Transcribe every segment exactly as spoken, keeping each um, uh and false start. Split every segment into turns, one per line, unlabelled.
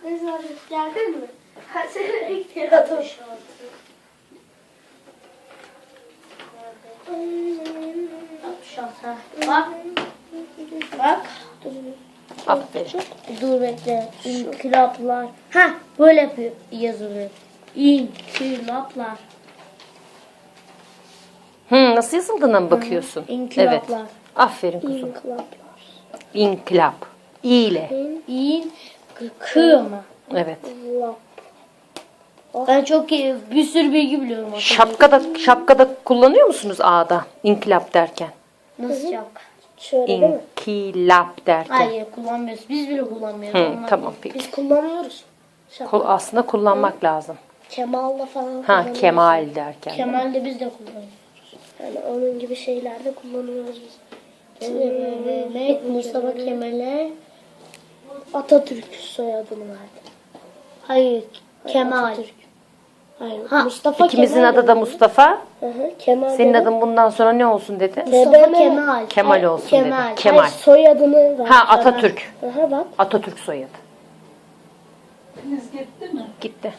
Ne zaman geldin mi? Ha seni bekliyorum. altmış altı. Bak. Bak.
Aferin.
Dur bekle. İnkılaplar. Ha böyle yapıyor, yazılıyor. İnkılaplar.
Hı, nasıl yazıldığına mı bakıyorsun?
İnkılaplar.
Evet. Aferin kuzum.
İnkılaplar.
İnkılap. İ ile.
İn kı mı?
Evet.
Ben çok iyi, bir sürü bilgi biliyorum.
Şapkada şapkada kullanıyor musunuz A'da? İnkılap derken.
Nasıl şapka?
Şöyle değil mi?
İnkılap derken.
Hayır kullanmıyoruz. Biz bile kullanmıyoruz.
Hı,
Onlar
tamam peki.
Biz kullanıyoruz. Şapka.
Kul- Aslında kullanmak lazım.
Kemal'la falan
Ha,
kullanıyoruz.
Kemal derken.
Kemal'de biz de kullanıyoruz.
Yani onun gibi şeylerde kullanıyoruz biz.
Ne? Mustafa Kemal'e.
Atatürk soyadını verdi.
Hayır. Kemal.
Atatürk. Hayır.
Ha,
Mustafa
İkimizin
Kemal
adı da
dedi.
Mustafa.
Hı hı, Kemal
Senin
dedi.
adın bundan sonra ne olsun dedi?
Mustafa
T B M.
Kemal.
Kemal olsun
Kemal.
dedi. Kemal.
Hayır, soyadını verdi.
Ha, Atatürk.
Hı hı, bak.
Atatürk soyadı. Gitti.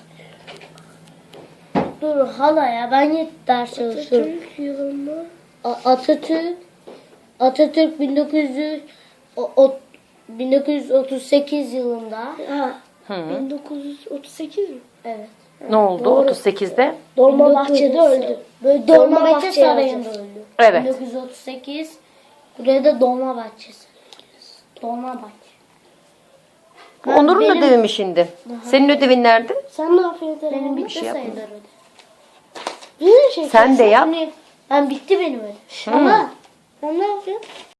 Dur hala ya ben yet ders çalışıyorum.
Atatürk yılında.
A- Atatürk Atatürk bin dokuz yüz o- o- bin dokuz yüz otuz sekiz yılında.
Ha.
Hı.
bin dokuz yüz otuz sekiz mi?
Evet.
Ne oldu
Doğru.
otuz sekizde?
Dolmabahçe'de öldü.
Böyle
Dolmabahçe
Dolmabahçe Sarayı'nda
yazacağız.
öldü.
Evet.
bin dokuz yüz otuz sekiz. Buraya da Dolmabahçe Dolmabahçe. Ben-
Onur'un
benim-
ödevi mi şimdi? Senin ödevin nerede?
Sen ne yapıyorsun?
Benim bitti
şey yapma.
sayılır öyle.
Bir şey
Sen de yap.
Ben bitti benim öyle. Ama
Sen ne yapıyorsun?